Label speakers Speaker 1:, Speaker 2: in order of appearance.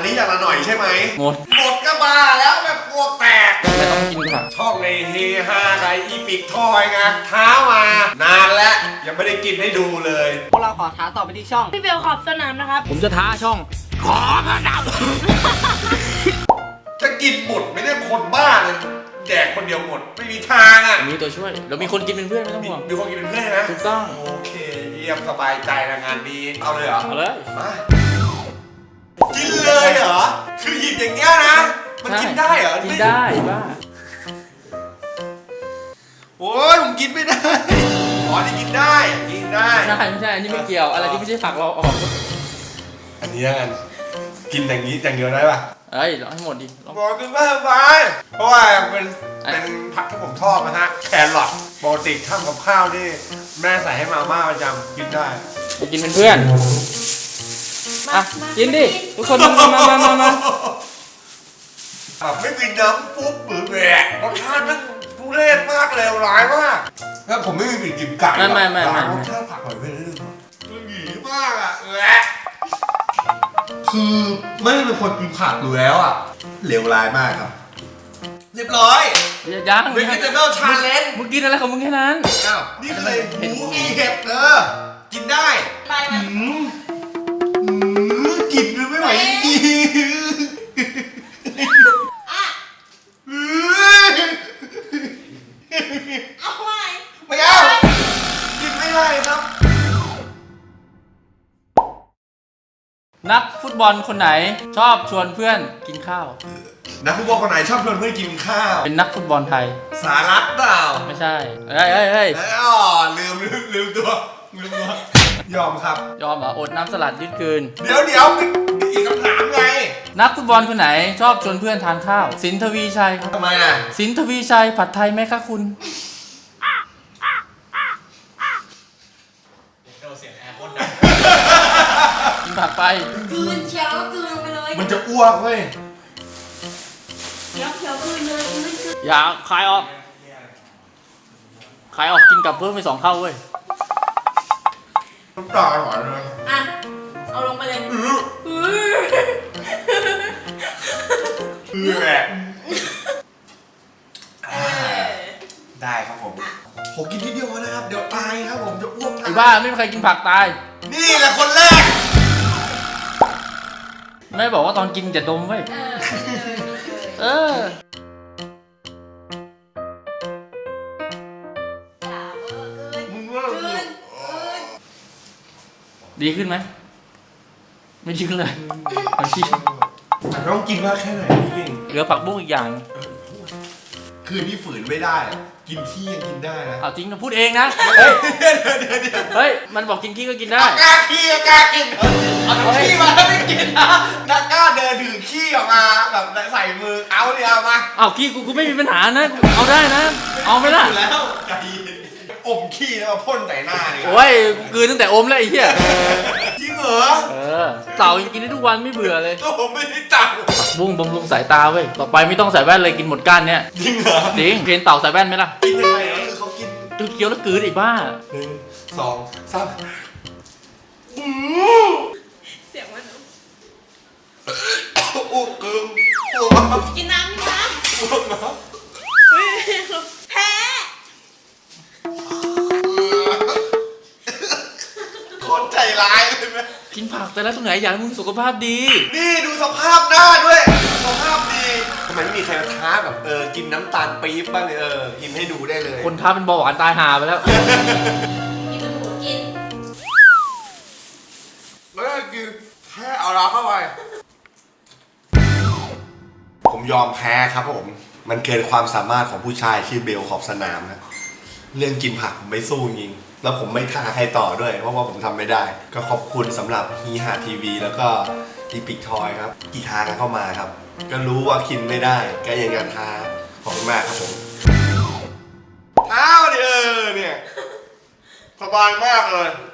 Speaker 1: นี้อย่างละหน่อยใช่ไหม
Speaker 2: หมด
Speaker 1: ก็บ้าแล้วแบบพวกแตก
Speaker 2: ไม่ต้องกินค่ะ
Speaker 1: ช่องในเฮฮาไกอีปิกทอยไงท้ามานานแล้วยังไม่ได้กินให้ดูเลย
Speaker 3: พวกเราขอท้าต่อไปที่ช่อง
Speaker 4: พี่เบลขอบสนามนะครับ
Speaker 2: ผมจะท้าช่อง
Speaker 1: ขอพระดำจะกินหมดไม่ได้คนบ้าเลยแดกคนเดียวหมดไม่มีทางอ่ะ
Speaker 2: มีตัวช่วยเรามีคนกินเป็นเพื่อนไม่ต้องห่วง
Speaker 1: มีคนกินเป็นเพื่อนนะ
Speaker 2: ถูกต้อง
Speaker 1: โอเคเยี่ยมสบายใจนะงานนี้เอาเลยเหรอ
Speaker 2: เอาเลย
Speaker 1: มากินเลยเหรอคือหยิบอย่างเงี้ยนะมันกินได้เหรอ
Speaker 2: กินได้บ้า
Speaker 1: โอ้ยผมกินไม่ได้อ๋อนี่กินได้กินได้
Speaker 2: ไม่ใช่อันนี้ไม่เกี่ยวอะไรที่ไม่ใช่ผักเราออก
Speaker 1: อันนี้แล้วกันกินอย่างนี้อย่างเดียวได้ป่ะ
Speaker 2: เอ้ยลองให้หมดดิลอง
Speaker 1: บอกกินไม่สบายเพราะว่าเป็นผักที่ผมชอบนะฮะแครอทปกติทำกับข้าวนี่แม่ใส่ให้มาม่าประจำกินได้
Speaker 2: ไปกินเป็นเพื่อนอ่ะกินดิทุกคนมา
Speaker 1: แบบไม่มีน้ำปุ๊บหรือแหวกรสชาติมันทุเรศมากเลวร้ายมากถ้าผมไม่มีกลิ่นกินไก่
Speaker 2: ไม่
Speaker 1: รสชาติผักหน่อยไม่ได้เลยมันหยีมากอ่ะแหวะคือไม่ได้เป็นคนกินผักอยู่แล้วอ่ะเลวร้ายมากครับเรียบร้อย
Speaker 2: ยัง
Speaker 1: เวกิเตอร์ชาเลนจ์
Speaker 2: มึงกินอะไรของมึงแค่นั้น
Speaker 1: อ้าวนี่คือหมูมีเห็ดกินได้
Speaker 4: ไปไหม
Speaker 1: กินไม่ไหวจริง
Speaker 4: อ่ะเอาไว้
Speaker 1: ไม่เอากินไม่ได้ครับ
Speaker 2: นักฟุตบอลคนไหนชอบชวนเพื่อนกินข้าว
Speaker 1: นักฟุตบอลคนไหนชอบชวนเพื่อนกินข้าว
Speaker 2: เป็นนักฟุตบอลไทย
Speaker 1: สารัตเปล่า
Speaker 2: ไม่ใช่เฮ้ย
Speaker 1: อ๋อลืมตัวยอมครับ
Speaker 2: ยอมเหรออดน้ำสลัดยืดคืน
Speaker 1: เดี๋ยวอีกคำถามไง
Speaker 2: นักฟุตบอลคนไหนชอบชวนเพื่อนทานข้าว สินทวีชัยครับ
Speaker 1: ทำไมอ่ะ
Speaker 2: สินทวีชัยผัดไทยไหมคะคุณกินผักไป
Speaker 4: กลืนเชียวกลืนไปเลย
Speaker 1: มันจะอ้วกเว้ย
Speaker 4: เขียวกลืนเลยกลืน
Speaker 2: อย่าคายออกกินกับเพิ่มไป2 เข้าเว้ย
Speaker 1: น้ำตาหวานเลย
Speaker 4: อ่ะเอาลงไปเลย
Speaker 1: แหละได้ครับผมกินทีเดียวนะครับเดี๋ยวตายครับผมจะอ้วก
Speaker 2: ไอ้บ้าไม่มีใครกินผักตาย
Speaker 1: นี่แหละคนแรก
Speaker 2: ไม่บอกว่าตอนกินจะดมเว้ยเออ
Speaker 1: มึงว่า
Speaker 2: ดีขึ้นไหมไม่ดีขึ้นเลยมันที่
Speaker 1: ต้องกินมากแค่ไหนพี่เก่ง
Speaker 2: เหลือผักบุ้งอีกอย่าง
Speaker 1: คืนที่ฝืนไม่ได้อะกินขี้ยังกินได้นะ
Speaker 2: เอาจริงนะพูดเองนะ
Speaker 1: เดี๋ยว
Speaker 2: เฮ้ยมันบอกกินขี้ก็กินได้
Speaker 1: กล้าขี้กล้ากินเอาขี้มาแล้วไม่กินนะนักกล้าเดินถือขี้ออกมาแบบใส่มือเอาเดี๋ยวมา
Speaker 2: เอาขี้กูไม่มีปัญหานะกูเอาได้นะ เอาไหมล่ะ
Speaker 1: อยู่แล้วใจเย็นอมขี้แล้วมาพ่นใส่หน้าเนี่ย
Speaker 2: โอ้ยกูกลืนตั้งแต่อมแล้วไอ้เหี้ย
Speaker 1: จริงเหรอ
Speaker 2: เต่ายังกินได้ทุกวันไม่เบื่อเลย
Speaker 1: ก็ผมไม่ได้จับ
Speaker 2: ผักบุ้งบำรุงสายตาเว้ยต่อไปไม่ต้องใส่แว่นเลยกินหมดก้านเนี่ย
Speaker 1: จริงเหรอ
Speaker 2: จริงเห็นเต่าใส่แว่นไหมล่ะ
Speaker 1: กินยังไงก็คือเขากิน
Speaker 2: คือเคี้ยวแล้วกลืนไอ้บ้า
Speaker 1: 1 2 3
Speaker 4: เสียงมัน
Speaker 1: อ้วกเกิน
Speaker 4: กินน้ำนะ
Speaker 1: อ้วกนะ
Speaker 4: แพ้
Speaker 1: โคตรใจร้ายเลยไหม
Speaker 2: กินผักแต่ละตรงไหนอยากให้มึงสุขภาพดี
Speaker 1: นี่ดูสภาพหน้าด้วยสภาพดีทำไมไม่มีใครมาท้าแบบกินน้ำตาลปี๊บบ้างเลยกินให้ดูได้เลย
Speaker 2: คนท้าเป็นเบาหวานตายหาไปแล้ว
Speaker 4: กินจนหมูกิน
Speaker 1: แล้วก็คือแค่เอาเราเข้าไปผมยอมแพ้ครับผมมันเกินความสามารถของผู้ชายชื่อเบลขอบสนามนะเรื่องกินผักผมไม่สู้จริงแล้วผมไม่ท้าใครต่อด้วยเพราะว่าผมทำไม่ได้ ก็ขอบคุณสำหรับฮีหาทีวีแล้วก็อีพิกทอยครับที่ท้ากันเข้ามาครับ ก็รู้ว่ากินไม่ได้ก็ยังจะท้าขอบคุณมากครับผมท้าดิเนี่ยสบายมากเลย